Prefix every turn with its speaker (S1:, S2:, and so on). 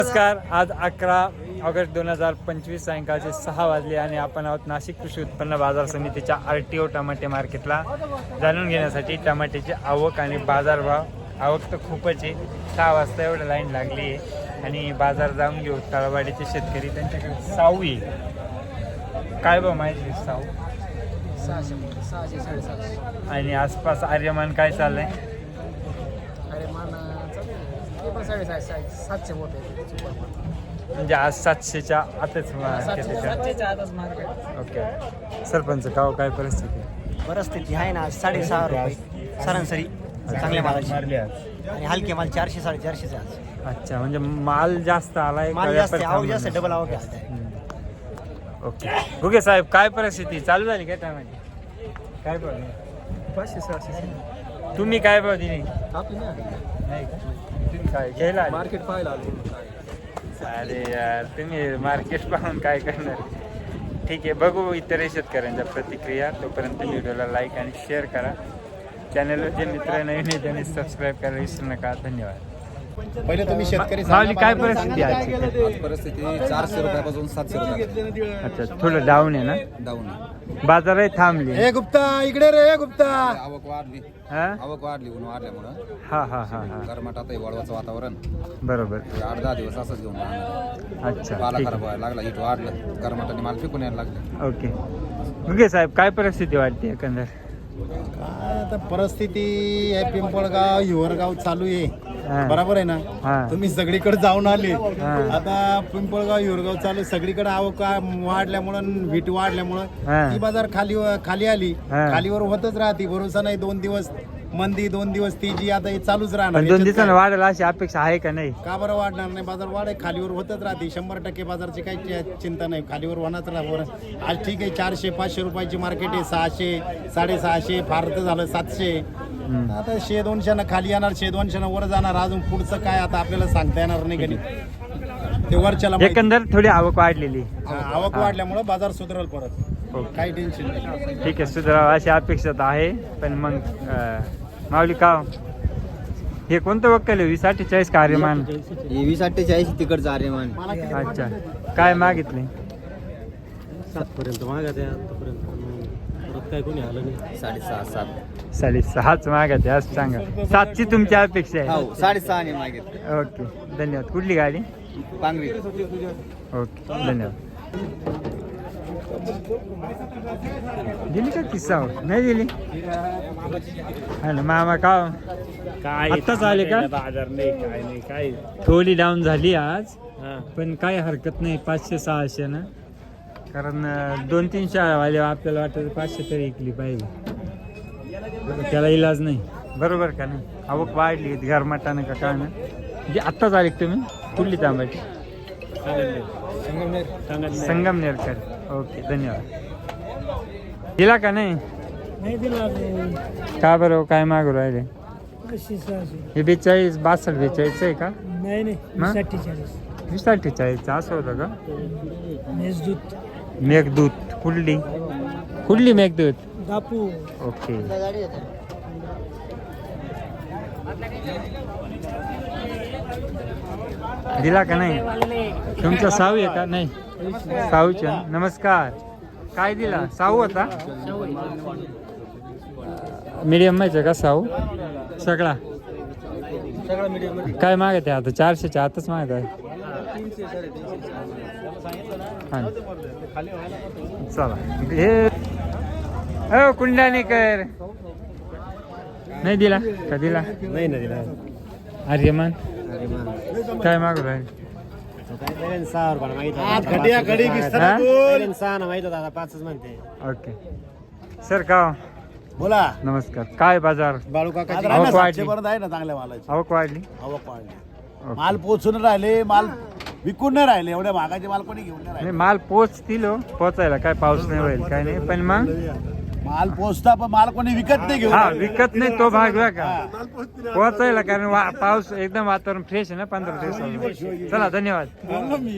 S1: नमस्कार. आज 11 ऑगस्ट 2025 सायंकाळचे 6 वाजले आणि आपण आहोत नाशिक कृषी उत्पन्न बाजार समितीच्या RTO टमाटे मार्केटला. जाणून घेण्यासाठी टमाट्याची आवक आणि बाजारभाव. आवक तर खूपच आहे. 6 वाजता एवढं लाईन लागली आहे आणि बाजार जाऊन घेऊ. तळवाडीचे शेतकरी त्यांच्याकडे साऊ आहे. काय भाव माहिती साऊ?
S2: 600, 750.
S1: आणि आसपास आर्यमान काय चाललंय?
S2: आर्यमान ते पण 750 मोठे
S1: म्हणजे आज 700च्या आतच मार्केट.
S2: 700च्या आतच मार्केट.
S1: ओके. सरपंच गाव काय परिस्थिती?
S3: परिस्थिती आहे ना 6.5 रुपये सरासरी चांगल्या मालाची आणि हलके माल 400 450 आज.
S1: अच्छा, म्हणजे माल जास्त आलाय.
S3: माल जास्त आवक जास्त डबल आवक आहे.
S1: ओके. ओके साहेब, काय परिस्थिती चालू झाली काय टमाटे? काय भाव?
S2: 500-600
S1: तुम्ही काय भाव दिली?
S2: आपली
S1: नाही का? तुम्ही काय घ्यायला आले?
S2: मार्केट पाहायला आलो.
S1: अरे यार, तुम्ही मार्केट पाहून काय करणार? ठीक आहे, बघू इतर शेतकऱ्यांच्या प्रतिक्रिया. तोपर्यंत व्हिडिओला लाईक आणि शेअर करा. चॅनलवर जे मित्र नवीन आहे त्यांनी सबस्क्राईब करायला विसरू नका. धन्यवाद.
S4: पहिले तुम्ही शेतकरी
S1: माऊली, काय परिस्थिती आहे आजची?
S4: आज परिस्थिती 400 रुपयापासून 700 रुपये
S1: अच्छा, थोडं डाऊन आहे ना?
S4: डाऊन.
S1: बाजारही थांबली.
S4: हे गुप्ता इकडे रे गुप्ता. आवक वाढली,
S1: हा
S4: आवक वाढली ऊन वाढल्यामुळं.
S1: हा हा हा हा
S4: गरमाट आता वळवाचं वातावरण
S1: बरोबर.
S4: 8-10 दिवस असंच घेऊन राहणार.
S1: अच्छा,
S4: पाला
S1: ठीक
S4: खराब व्हायला लागला, इट वाढलं, गरमाटाने माल फेकून यायला लागले.
S1: ओके. ओके साहेब, काय परिस्थिती वाटते एकंदर?
S4: काय आता परिस्थिती हे पिंपळगाव हिवरगाव चालू आहे.
S1: हा.
S4: बरोबर आहे ना?
S1: हा.
S4: तुम्ही सगळीकडे जाऊन आले.
S1: हा.
S4: आता पिंपळगाव हिवरगाव चालू सगळीकडे आवक वाढल्यामुळं व्हीट वाढल्यामुळं
S1: हा.
S4: ही बाजार खाली आली.
S1: हा.
S4: खालीवर होतच राहते. भरोसा नाही. 2 दिवस मंदी, 2 दिवस तेजी, आता हे चालूच राहणार.
S1: पण 2
S4: याच्यात
S1: दिवसांना
S4: काय?
S1: वाढेल अशी अपेक्षा आहे का नाही?
S4: का बरं वाढणार नाही? बाजार वाढे खालीवर होतच राहते. 100% बाजारची काही चिंता नाही. खालीवर होणारच राहणार. आज ठीक आहे 400-500 रुपयाची मार्केट आहे. 600, 650, फार तर झालं 700. आता 100-200 न खाली येणार, 100-200 न वर जाणार. अजून पुढचं काय आता आपल्याला सांगता येणार नाही कधी. ते वरच्याला माहिती.
S1: एकंदर थोडी आवक वाढलेली.
S4: आवक वाढल्यामुळे बाजार सुधरल परत.
S1: ओके.
S4: काही टेन्शन नाही.
S1: ठीक आहे, सुधारावं अशी अपेक्षा तर आहे. पण मग माऊली का हे कोणतं वक्कल आहे? 2048 का आर्यमान?
S3: 2048 तिकडचं आर्यमान.
S1: अच्छा, काय मागितले?
S3: 7 पर्यंत मागत आहे. आतापर्यंत परत काय कोणी आलं नाही. 6.5-7.
S1: 6.5 मागत आहे असं सांगा. 7ची तुमची अपेक्षा आहे?
S3: हो 6.5 ने मागित.
S1: ओके, धन्यवाद. कुठली गाडी?
S3: पांगरी.
S1: ओके, धन्यवाद. दिली का किस्सा? नाही दिली. हा ना मामा, का आत्ताच आले का?
S2: बाजार नाही, काय नाही, काय
S1: थोडी डाऊन झाली आज, पण काय हरकत नाही. 500-600 ना, कारण 2-3 शाळावाले आपल्याला वाटतं 500 तरी ऐकली पाहिजे. त्याला इलाज नाही. बरोबर का नाही? आवक वाढली गरमाटानं का काय ना. म्हणजे आत्ताच आले तुम्ही? कुठली तांबाची? संगमनेरकर. ओके, धन्यवाद. दिला का नाही?
S2: नाही दिला.
S1: का बरं, काय मागू राहिले? हे 42, 62, 42 आहे का?
S2: नाही नाही,
S1: मग?
S2: 47.
S1: 20-48 असं होतं का?
S2: मेजदूत
S1: मेघदूत. कुठली मेघदूत?
S2: दापू.
S1: ओके. दिला का नाही? तुमचा साऊ आहे का? नाही, साऊच्या. नमस्कार. काय दिला? साऊ होता? मीडियम माहिती का साऊ? सगळा काय मागत आहे आता? 400च्या आतच मागत आहे. हा, चला. हे कुंडाणेकर नाही दिला का? दिला
S3: नाही ना दिला.
S1: आर्यमान काय मागू राहील?
S3: 6 रुपये मागितलं.
S4: आज घटिया घडी विस्तार
S1: हा?
S4: बोल.
S3: 6 ना माहित दादा 5च म्हणते.
S1: ओके. सर का
S4: बोला.
S1: नमस्कार. काय बाजार?
S4: बाळू काका
S1: आवक वाढली.
S4: 700 पर्यंत आहे ना चांगल्या मालाची.
S1: आवक वाढली.
S4: आवक वाढली. माल पोचून राहिले, माल विकून नाही राहिले. एवढ्या महागाचे माल कोणी घेऊन नाही राहिले.
S1: नाही, माल पोचतील हो. पोचायला काय पाऊस नाही होईल काय नाही, पण मग
S4: माल पोचता पण माल कोणी विकत नाही घेऊन.
S1: हा, विकत नाही तो भाग वेगळा का? पोचायला कारण पाऊस एकदम वातावरण फ्रेश आहे ना 15 दिवसात. चला, धन्यवाद.